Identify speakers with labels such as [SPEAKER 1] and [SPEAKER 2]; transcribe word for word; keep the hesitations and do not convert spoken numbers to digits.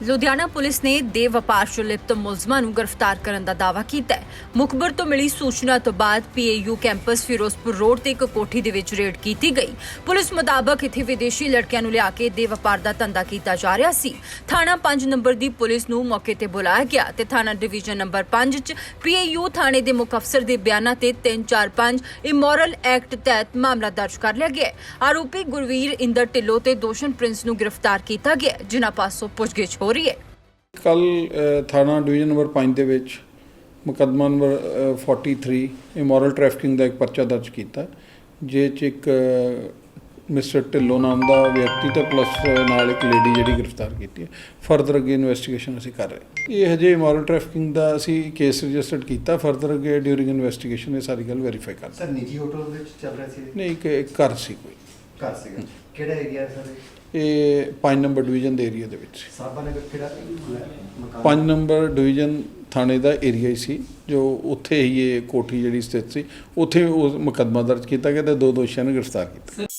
[SPEAKER 1] Ludhiana police ਨੇ ਦੇਹ ਵਪਾਰ 'ਚ ਲਿਪਤ ਮੁਲਜ਼ਮਾਂ ਨੂੰ ਗ੍ਰਿਫਤਾਰ ਕਰਨ ਦਾ ਦਾਅਵਾ ਕੀਤਾ ਹੈ। ਮੁਖਬਰ ਤੋਂ ਮਿਲੀ ਸੂਚਨਾ ਤੋਂ ਬਾਅਦ ਪੀਏਯੂ ਕੈਂਪਸ ਫਿਰੋਜ਼ਪੁਰ ਰੋਡ ਤੇ ਇੱਕ ਕੋਠੀ ਦੇ ਵਿੱਚ ਰੇਡ ਕੀਤੀ ਗਈ। ਪੁਲਿਸ ਮੁਤਾਬਕ ਇੱਥੇ ਵਿਦੇਸ਼ੀ ਲੜਕਿਆਂ ਨੂੰ ਲਿਆ ਕੇ ਦੇਹ ਵਪਾਰ ਦਾ ਧੰਦਾ ਕੀਤਾ ਜਾ ਰਿਹਾ ਸੀ। ਥਾਣਾ ਪੰਜ ਨੰਬਰ ਦੀ ਪੁਲਿਸ ਨੂੰ ਮੌਕੇ ਤੇ ਬੁਲਾਇਆ ਗਿਆ ਤੇ ਥਾਣਾ ਡਿਵੀਜ਼ਨ ਨੰਬਰ ਪੰਜ 'ਚ ਪੀਏਯੂ ਥਾਣੇ ਦੇ ਮੁੱਖ ਅਫਸਰ ਦੇ ਬਿਆਨਾਂ ਤੇ ਤਿੰਨ ਚਾਰ ਪੰਜ ਇਮੋਰਲ ਐਕਟ ਤਹਿਤ ਮਾਮਲਾ ਦਰਜ ਕਰ ਲਿਆ ਗਿਆ। ਆਰੋਪੀ ਗੁਰਵੀਰ ਇੰਦਰ ਢਿੱਲੋਂ ਤੇ ਦੋਸ਼ਨ ਪ੍ਰਿੰਸ ਨੂੰ ਗ੍ਰਿਫਤਾਰ ਕੀਤਾ ਗਿਆ, ਜਿਨ੍ਹਾਂ ਪਾਸੋਂ ਪੁੱਛਗਿੱਛ ਹੋ ਰਹੀ ਹੈ।
[SPEAKER 2] ਕੱਲ ਥਾਣਾ ਡਿਵੀਜ਼ਨ ਨੰਬਰ ਪੰਜ ਦੇ ਵਿੱਚ ਮੁਕੱਦਮਾ ਨੰਬਰ ਤੈਂਤਾਲੀ ਇਮੋਰਲ ਟ੍ਰੈਫਿਕਿੰਗ ਦਾ ਇੱਕ ਪਰਚਾ ਦਰਜ ਕੀਤਾ, ਜਿਸ 'ਚ ਇੱਕ ਮਿਸਟਰ ਢਿੱਲੋਂ ਨਾਮ ਦਾ ਵਿਅਕਤੀ ਤੇ ਪਲੱਸ ਨਾਲ ਇੱਕ ਲੇਡੀ ਜਿਹੜੀ ਗ੍ਰਿਫਤਾਰ ਕੀਤੀ ਹੈ। ਫਰਦਰ ਅੱਗੇ ਇਨਵੈਸਟੀਗੇਸ਼ਨ ਅਸੀਂ ਕਰ ਰਹੇ। ਇਹ ਹਜੇ ਇਮੋਰਲ ਟ੍ਰੈਫਿਕਿੰਗ ਦਾ ਅਸੀਂ ਕੇਸ ਰਜਿਸਟਰਡ ਕੀਤਾ। ਫਰਦਰ ਅੱਗੇ ਡਿਊਰਿੰਗ ਇਨਵੈਸਟੀਗੇਸ਼ਨ ਇਹ ਸਾਰੀ ਗੱਲ ਵੈਰੀਫਾਈ ਕਰ
[SPEAKER 3] ਸਰ ਨਿੱਜੀ ਹੋਟਲ ਵਿੱਚ ਚੱਲ ਰਿਹਾ ਸੀ?
[SPEAKER 2] ਨਹੀਂ, ਇੱਕ ਇੱਕ ਘਰ ਸੀ ਕੋਈ
[SPEAKER 3] ਘਰ ਸੀਗਾ। ਕਿਹੜਾ ਏਰੀਆ ਸਰ?
[SPEAKER 2] ਇਹ ਪੰਜ ਨੰਬਰ ਡਿਵੀਜ਼ਨ ਦੇ ਏਰੀਆ ਦੇ ਵਿੱਚ।
[SPEAKER 3] ਸਾਬਾ ਨਗਰ ਕਿਹੜਾ ਮਕਾਨ?
[SPEAKER 2] ਪੰਜ ਨੰਬਰ ਡਿਵੀਜ਼ਨ ਥਾਣੇ ਦਾ ਏਰੀਆ ਹੀ ਸੀ, ਜੋ ਉੱਥੇ ਹੀ ਇਹ ਕੋਠੀ ਜਿਹੜੀ ਸਥਿਤ ਸੀ, ਉੱਥੇ ਉਹ ਮੁਕੱਦਮਾ ਦਰਜ ਕੀਤਾ ਗਿਆ ਤੇ ਦੋ ਦੋਸ਼ੀਆਂ ਨੂੰ ਗ੍ਰਿਫਤਾਰ ਕੀਤਾ।